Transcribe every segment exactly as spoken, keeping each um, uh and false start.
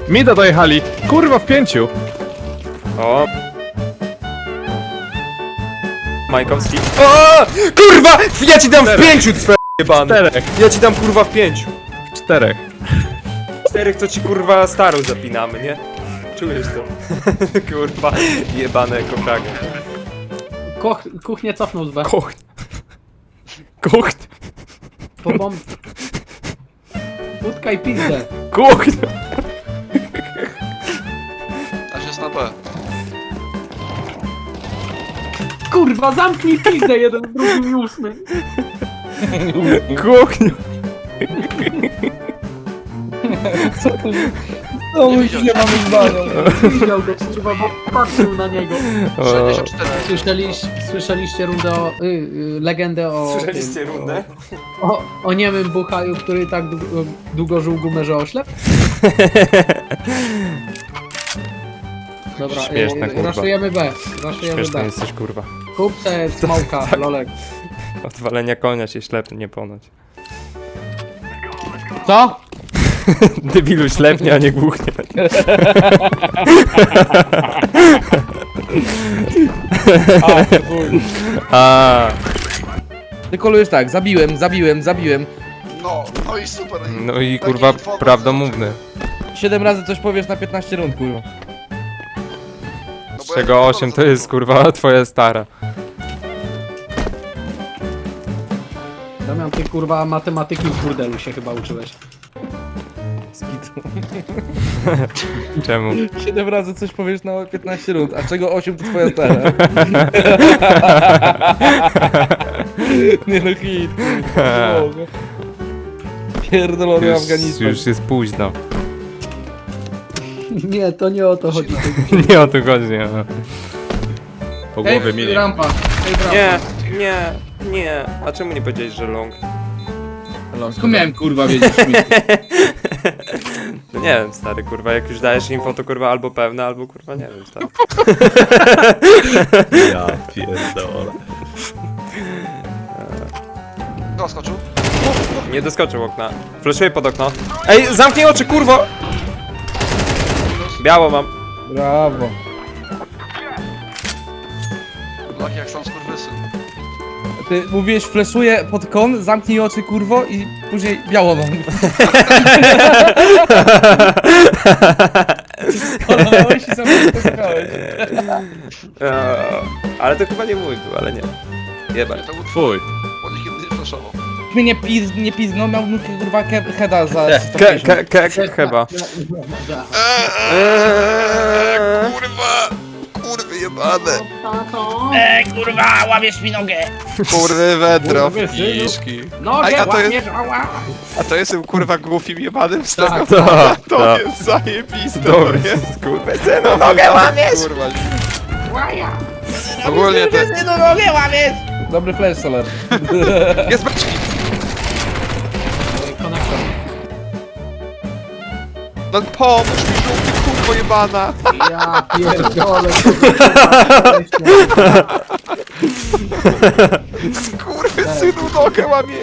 Mida dojechali. Kurwa w pięciu. O. Majkowski. O! Kurwa! Ja ci dam w pięciu, twe jebany. Czterech. Ja ci dam kurwa w pięciu. Czterech. Czterech to ci kurwa starą zapinamy, nie? Czujesz to? Kurwa, jebane kochanie. Koch, kuchnię cofnął z B. Kocht. Kocht. Po bomb... Łódka i pizdę. Kocht. Aż jest na B. Kurwa, zamknij pizdę jeden, drugi i ósmy. Kocht. No my się mamy zdania. Widział go, kurwa, bo patrzył na niego. sześćdziesiąt cztery. Słyszeliście, słyszeliście rundę o... Y, y, legendę o... Słyszeliście tym, rundę? O, o niemym buchaju, który tak długo, długo żył gumę, że oślep? Dobra, Śmieszna, y, kurwa. raszujemy B. Raszujemy Śmieszna B. jesteś kurwa. Kup se smoka, lolek. Odwalenia konia się ślepnie ponoć. Co? Debilu ślepnie, a nie głuchnie. A, Tylko jest tak, zabiłem, zabiłem, zabiłem. No, no i super. no i Taki kurwa powód. prawdomówny. Siedem razy coś powiesz na piętnaście rund, kurwa. No Z bo czego ja nie osiem to powiem, jest kurwa twoja stara. Damian, ty kurwa matematyki w burdelu się chyba uczyłeś. Skitu. Czemu? Siedem razy coś powiesz na piętnaście rund, a czego osiem to twoja stara. Nie no hit, kurwa. Nie mogę. Pierdolony Już, Afganistan. już jest późno. Nie, to nie o to chodzi. Nie o to chodzi. No. Po głowie mieli. rampa. Ej, rampa. Nie, nie, nie. A czemu nie powiedziałeś, że long? Skąd miałem kurwa wiedzieć? No nie wiem, stary, kurwa, jak już dajesz info, to kurwa albo pewne, albo kurwa nie wiem, stary. Ja pierdolę. Kto skoczył? Nie doskoczył okna. Flashuję pod okno. Ej, zamknij oczy, kurwo! Biało mam. Brawo. Laki jak sam skurwysyn. Ty mówiłeś fleszuję pod kon, zamknij oczy kurwo i później biało mam. Skolowałeś i sobie posłuchałeś. Eee, ale to chyba nie mój był, ale nie. Jebać. To był Twój. bo nikt nie flashował. Mnie nie, piz, nie pizgnął, miał nóg kurwa ke- heada za sto Ke, pięćdziesiąt. ke, ke, chyba. Eee, kurwa! Kurwy jebane! Eee, kurwa, łamiesz mi nogę! Kurwy wędrow, Kurwy synu. kiszki. No, A nie, ja to jest- łamiesz, ała! A to jestem kurwa głupim jebanym z tego. Tak. To, To to. jest zajebiste, Dobry. to jest. Kurwa, synu, nogę łamiesz! Kurwa. Ogólnie to No nogę łamiesz! Dobry flash, Solar. jest beczki. Konektor. No pomóż mi, żółty kurwo jebana. Ja pierdolę. Skurwy synu nogę łamiesz.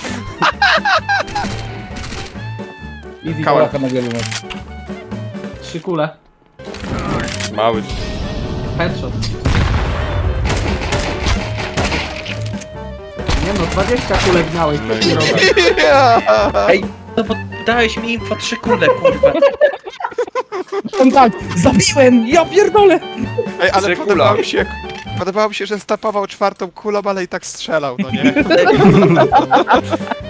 Easy Kałach. goal. Na wielu masz. Trzy kule. Mały. Headshot. Nie no, dwadzieścia kulek miałeś, co ci robię? Ej, No bo dałeś mi info trzy kule, kurwa. on tak, zabiłem, ja pierdolę! Ej, ale Trzy podobało kula. mi się, podobało mi się, że stapował czwartą kulą, ale i tak strzelał, no nie?